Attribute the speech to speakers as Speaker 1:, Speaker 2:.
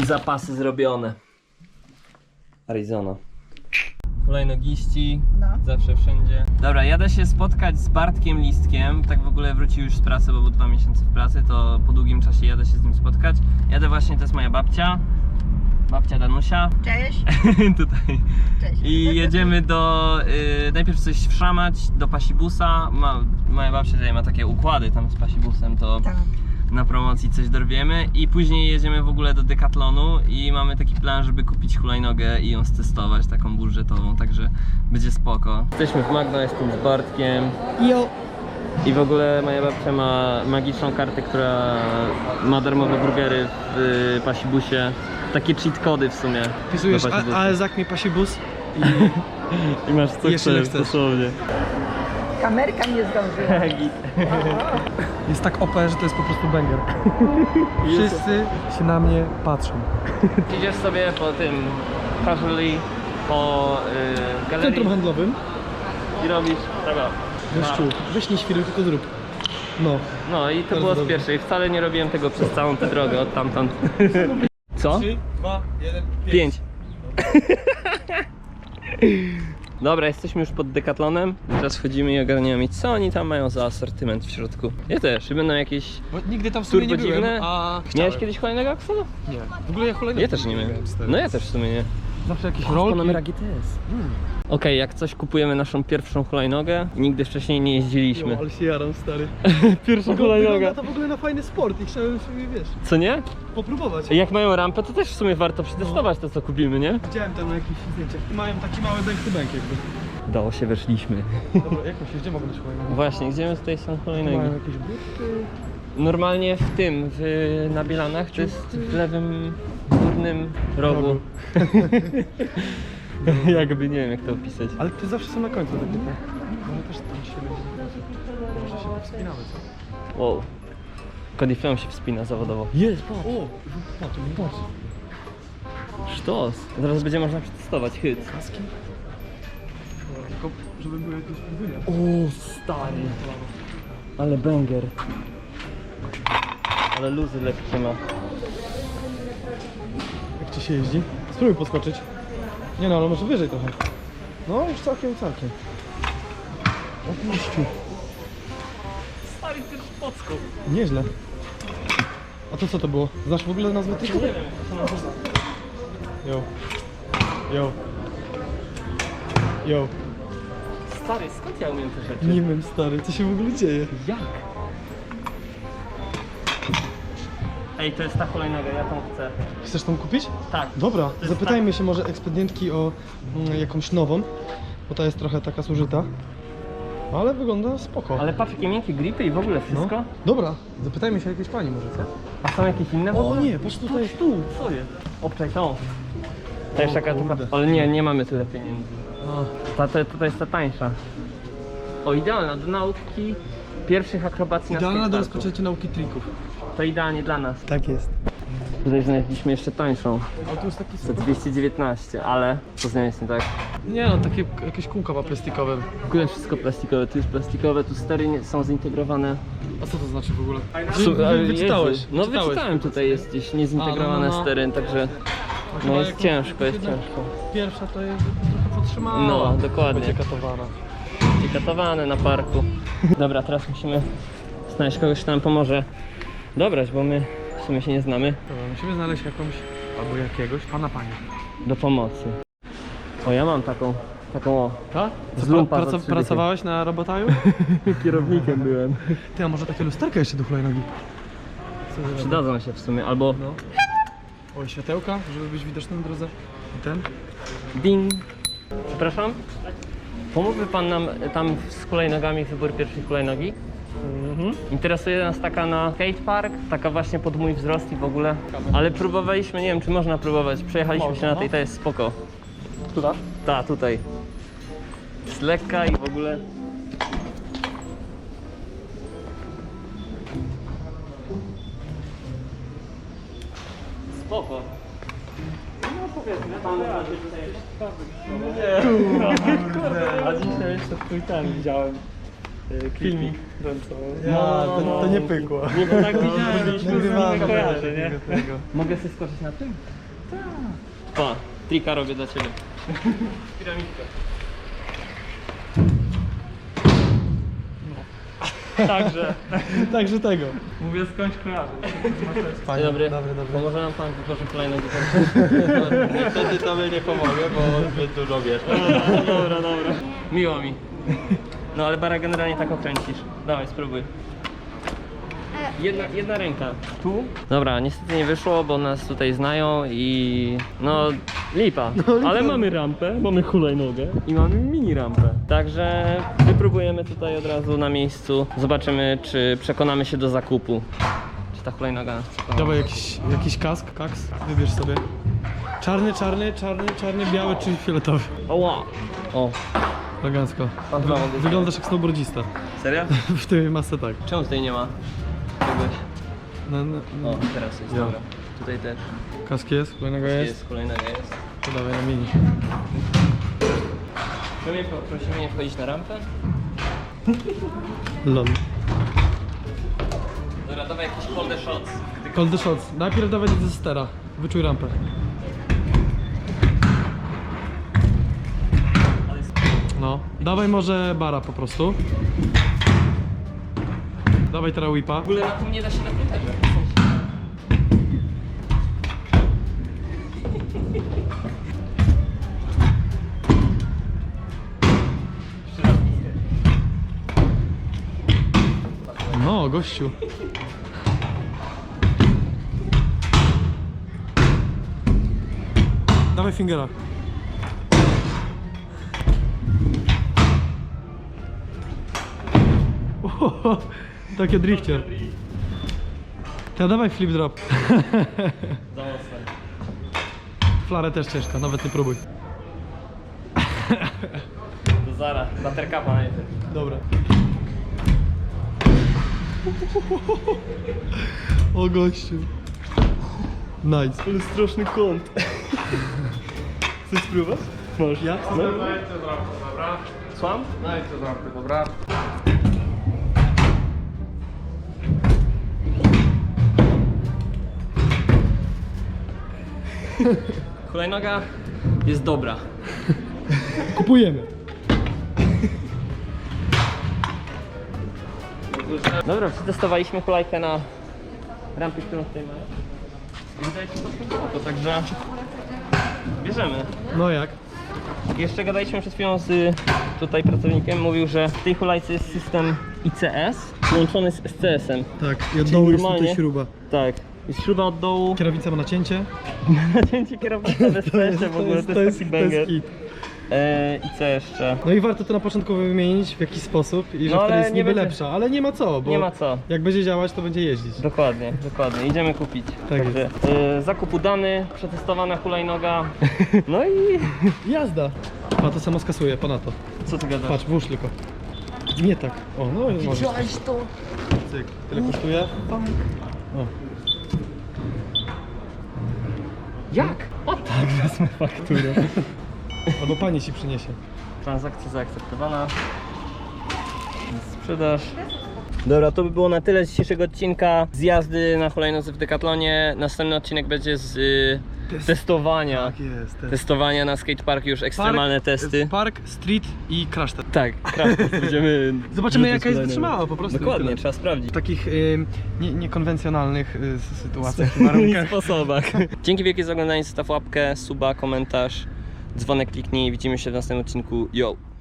Speaker 1: Zapasy zrobione. Arizona. Hulajnogiści, zawsze wszędzie. Dobra, jadę się spotkać z Bartkiem Listkiem. Tak w ogóle wrócił już z pracy, bo był 2 miesiące w pracy, to po długim czasie jadę się z nim spotkać. Jadę właśnie, to jest moja babcia. Babcia Danusia.
Speaker 2: Cześć.
Speaker 1: Tutaj.
Speaker 2: Cześć.
Speaker 1: I jedziemy do, najpierw coś wszamać do Pasibusa. Moja babcia tutaj ma takie układy tam z Pasibusem, to
Speaker 2: Tak.
Speaker 1: na promocji coś dorwiemy. I później jedziemy w ogóle do Decathlonu i mamy taki plan, żeby kupić hulajnogę i ją stestować, taką budżetową, także będzie spoko. Jesteśmy w Magno, jestem z Bartkiem.
Speaker 2: Jo.
Speaker 1: I w ogóle moja babcia ma magiczną kartę, która ma darmowe burgery w Pasibusie. Takie cheat kody w sumie.
Speaker 3: Wpisujesz AESAK mi Pasibus
Speaker 1: I masz co
Speaker 3: Jeszcze
Speaker 1: chcesz,
Speaker 3: chcesz.
Speaker 1: dosłownie.
Speaker 2: Kamerka nie zdążyła.
Speaker 3: jest tak OP, że to jest po prostu banger. Wszyscy się na mnie patrzą.
Speaker 1: Idziesz sobie po tym casually, po galerii
Speaker 3: Centrum handlowym.
Speaker 1: i robisz tego.
Speaker 3: Gościu, weź nie świruj, tylko zrób. No.
Speaker 1: No i to
Speaker 3: Bardzo
Speaker 1: było z
Speaker 3: dobrze.
Speaker 1: pierwszej. Wcale nie robiłem tego przez całą tę drogę od tamtąd. Co?
Speaker 3: 3, 2, 1,
Speaker 1: 5. Dobra, jesteśmy już pod Decathlonem. Teraz wchodzimy i ogarniamy, co oni tam mają za asortyment w środku. Ja też, i będą jakieś
Speaker 3: Bo nigdy tam w sumie nie
Speaker 1: turbo dziwne.
Speaker 3: byłem, a
Speaker 1: Miałeś kiedyś hulajnogę, Axel?
Speaker 3: Nie. W ogóle ja hulajnogę
Speaker 1: Ja też nie miałem. No ja też w sumie nie.
Speaker 3: Zawsze jakieś
Speaker 1: Panamera
Speaker 3: rolki.
Speaker 1: GTS. Okej, jak coś kupujemy naszą pierwszą hulajnogę, nigdy wcześniej nie jeździliśmy.
Speaker 3: Ale się jaram, stary.
Speaker 1: Pierwsza
Speaker 3: Wygląda to w ogóle na fajny sport i chciałem sobie, wiesz,
Speaker 1: Co nie?
Speaker 3: popróbować.
Speaker 1: Jak mają rampę, to też w sumie warto przetestować to, co kupimy, nie?
Speaker 3: Widziałem tam na jakichś zdjęciach i mają taki mały bank jakby.
Speaker 1: Udało się, weszliśmy.
Speaker 3: Dobra, jak myślisz, gdzie mogą być hulajnogi?
Speaker 1: Właśnie, gdzie my tutaj są hulajnogi?
Speaker 3: Mają jakieś buty.
Speaker 1: Normalnie w tym, na Bielanach, to jest w lewym górnym rogu. Jakby, nie wiem jak to opisać.
Speaker 3: Ale ty zawsze są na końcu takie, tak? Może też tam się może się wspinamy, co?
Speaker 1: Wow. Cody Flem się wspina zawodowo. Jest, patrz.
Speaker 3: O! Patrz, patrz.
Speaker 1: Sztos. Teraz będzie można przetestować hyt.
Speaker 3: Kaski? Tylko, żeby były jakieś podwójne.
Speaker 1: O, stary. Ale banger. Ale luzy lekkie ma.
Speaker 3: Jak ci się jeździ? Spróbuj podskoczyć. Nie no, ale może wyżej trochę. No, już całkiem. O puściu.
Speaker 1: Stary, też podskok.
Speaker 3: Nieźle. A to co to było? Znasz w ogóle nazwę tych?
Speaker 1: Nie wiem, co to nazywa.
Speaker 3: Yo.
Speaker 1: Stary, skąd ja umiem te rzeczy?
Speaker 3: Nie wiem, stary, co się w ogóle dzieje?
Speaker 1: Jak? Ej, to jest ta hulajnoga, ja tą chcę.
Speaker 3: Chcesz tą kupić?
Speaker 1: Tak.
Speaker 3: Dobra,
Speaker 1: jest
Speaker 3: zapytajmy się może ekspedientki o jakąś nową, bo ta jest trochę taka zużyta. Ale wygląda spoko.
Speaker 1: Ale patrz, jakie miękkie gripy i w ogóle wszystko.
Speaker 3: No. Dobra, zapytajmy się jakiejś pani może, co?
Speaker 1: A są jakieś inne w
Speaker 3: O
Speaker 1: ogóle?
Speaker 3: nie, patrz tutaj, tu.
Speaker 1: Co jest? Obczaj tą. To jest
Speaker 3: O
Speaker 1: taka
Speaker 3: kurde.
Speaker 1: tylko... Ale nie mamy tyle pieniędzy. To jest ta tańsza. O, idealna do nauki pierwszych akrobacji
Speaker 3: Idealna
Speaker 1: na
Speaker 3: do
Speaker 1: skateparku.
Speaker 3: rozpoczęcia nauki trików.
Speaker 1: To idealnie dla nas.
Speaker 3: Tak jest.
Speaker 1: Tutaj znaleźliśmy jeszcze tańszą.
Speaker 3: A tu jest taki
Speaker 1: Za 219, ale co z nią jest nie tak?
Speaker 3: Nie no, takie jakieś kółka ma plastikowe.
Speaker 1: W ogóle wszystko plastikowe, tu jest plastikowe, tu stery są zintegrowane.
Speaker 3: A co to znaczy w ogóle?
Speaker 1: Wyczytałeś?
Speaker 3: Jezu.
Speaker 1: No wyczytałem, tutaj jest gdzieś niezintegrowane
Speaker 3: no.
Speaker 1: stery, także no jest ciężko, jest ciężko.
Speaker 3: Pierwsza to jest trochę podtrzymała.
Speaker 1: No, dokładnie.
Speaker 3: Będzie katowana.
Speaker 1: Katowane na parku. Dobra, teraz musimy znaleźć kogoś, kto nam pomoże dobrać, bo my w sumie się nie znamy.
Speaker 3: Dobra, musimy znaleźć jakąś, albo jakiegoś panie.
Speaker 1: Do pomocy. O, ja mam taką o.
Speaker 3: Tak?
Speaker 1: Z lumpa za 3
Speaker 3: Pracowałeś na robotaju?
Speaker 1: Kierownikiem byłem.
Speaker 3: Ty, a może takie lusterka jeszcze do hulajnogi?
Speaker 1: Przydadzą się w sumie, albo
Speaker 3: No. O, światełka, żeby być widoczny na drodze. I ten?
Speaker 1: ding. Przepraszam? Pomógłby pan nam tam z hulajnogami, wybór pierwszej hulajnogi? Interesuje nas taka na skatepark, taka właśnie pod mój wzrost i w ogóle. Ale próbowaliśmy, nie wiem czy można próbować, przejechaliśmy się na tej, to jest spoko.
Speaker 3: Która?
Speaker 1: Ta, tutaj. Jest lekka i w ogóle. Spoko. No powiedzmy, tam nie. A dzisiaj jeszcze twój ten widziałem.
Speaker 3: Filmik.
Speaker 1: No,
Speaker 3: To nie pykło.
Speaker 1: Nie, to tak widziałem,
Speaker 3: Nagrywamy
Speaker 1: kojarzę, nie?
Speaker 3: tego.
Speaker 1: Mogę sobie skoczyć na tym? Tak. Pa, trika robię dla ciebie. Piramidka.
Speaker 4: Także,
Speaker 3: Także tego.
Speaker 4: mówię skądś kojarzy.
Speaker 3: Fajnie,
Speaker 1: Dzień dobry.
Speaker 3: Dobry.
Speaker 1: Pomoże nam pan wytworzyć kolejną
Speaker 5: Niestety tobie nie pomogę, bo zbyt dużo wiesz.
Speaker 1: Dobra. Miło mi. No ale bara generalnie tak okręcisz. Dawaj, spróbuj. Jedna ręka. Tu? Dobra, niestety nie wyszło, bo nas tutaj znają i no lipa. Ale mamy rampę, mamy hulajnogę i mamy mini rampę. Także wypróbujemy tutaj od razu na miejscu. Zobaczymy, czy przekonamy się do zakupu. Czy ta hulajnoga nas przekona.
Speaker 3: Dawaj jakiś kaks, wybierz sobie. Czarny, biały czy fioletowy.
Speaker 1: Oła! O,
Speaker 3: Elegancko.
Speaker 1: Pan dwa mogę
Speaker 3: Wyglądasz jak snowboardzista.
Speaker 1: serio?
Speaker 3: W tej masce tak.
Speaker 1: Czemu tutaj nie ma czegoś?
Speaker 3: No,
Speaker 1: O, teraz jest,
Speaker 3: Ja.
Speaker 1: dobra. Tutaj też.
Speaker 3: kask jest, kolejnego jest.
Speaker 1: Jest, kolejnego jest.
Speaker 3: To dawaj na mini.
Speaker 1: Prosimy nie wchodzić na rampę.
Speaker 3: Lol.
Speaker 1: Dobra, dawaj jakiś hold the shots.
Speaker 3: Call the shots. Najpierw dawaj ze stera. Wyczuj rampę. No. Dawaj może bara po prostu. Dawaj teraz whipa.
Speaker 1: W ogóle na tym nie da się na tym tego.
Speaker 3: No, gościu. Dawaj fingera. Ohoho, takie drifcie. Ja dawaj flip drop.
Speaker 1: Za mocno.
Speaker 3: Flarę też ciężka, nawet nie próbuj.
Speaker 1: To zara, buttercupa najpierw.
Speaker 3: Dobra. O gościu. Nice.
Speaker 1: Ale straszny kąt. Chcesz spróbować? Masz.
Speaker 3: Ja?
Speaker 1: No. Słucham?
Speaker 5: Dobra.
Speaker 1: Hulajnoga jest dobra.
Speaker 3: Kupujemy.
Speaker 1: Dobra, przetestowaliśmy hulajkę na rampie, którą tutaj mamy. I wydaje się to także bierzemy.
Speaker 3: No jak?
Speaker 1: Jeszcze gadaliśmy przed chwilą z tutaj pracownikiem, mówił, że w tej hulajce jest system ICS połączony z SCS-em.
Speaker 3: Tak, i od
Speaker 1: Czyli
Speaker 3: dołu jest
Speaker 1: normalnie-
Speaker 3: tutaj śruba.
Speaker 1: Tak, jest śruba od dołu,
Speaker 3: Kierownica ma nacięcie.
Speaker 1: nacięcie kierownicy bez przejścia w ogóle, to jest taki banger.
Speaker 3: hit.
Speaker 1: I co jeszcze?
Speaker 3: No i warto to na początku wymienić w jakiś sposób i że
Speaker 1: No,
Speaker 3: wtedy
Speaker 1: ale
Speaker 3: jest
Speaker 1: nie
Speaker 3: niby
Speaker 1: będzie-
Speaker 3: lepsza, ale nie ma co, bo
Speaker 1: Nie ma co.
Speaker 3: jak będzie działać, to będzie jeździć.
Speaker 1: Dokładnie, idziemy kupić.
Speaker 3: Tak
Speaker 1: Także, zakup udany, przetestowana hulajnoga. No i
Speaker 3: Jazda! A to samo skasuje, ponadto.
Speaker 1: co ty gadasz?
Speaker 3: Patrz, włóż tylko. Nie tak. O, no i możesz.
Speaker 2: to?
Speaker 3: Cyk. Tyle kosztuje? O.
Speaker 1: Jak? O tak, wezmę fakturę.
Speaker 3: Albo pani ci przyniesie.
Speaker 1: Transakcja zaakceptowana. Sprzedaż. Dobra, to by było na tyle z dzisiejszego odcinka z jazdy na hulajnodze w Decathlonie. Następny odcinek będzie z testowania.
Speaker 3: Tak jest.
Speaker 1: Testowania na skateparku, już ekstremalne testy.
Speaker 3: Park, street i crash test.
Speaker 1: Tak, prawda, będziemy...
Speaker 3: Zobaczymy
Speaker 1: rzucać
Speaker 3: jaka jest
Speaker 1: hulajnogę.
Speaker 3: wytrzymała po prostu.
Speaker 1: Dokładnie,
Speaker 3: Tyle.
Speaker 1: trzeba sprawdzić.
Speaker 3: W takich niekonwencjonalnych sytuacjach,
Speaker 1: W
Speaker 3: warunkach.
Speaker 1: sposobach. Dzięki wielkie za oglądanie, zostaw łapkę, suba, komentarz, dzwonek kliknij. Widzimy się w następnym odcinku. Yo!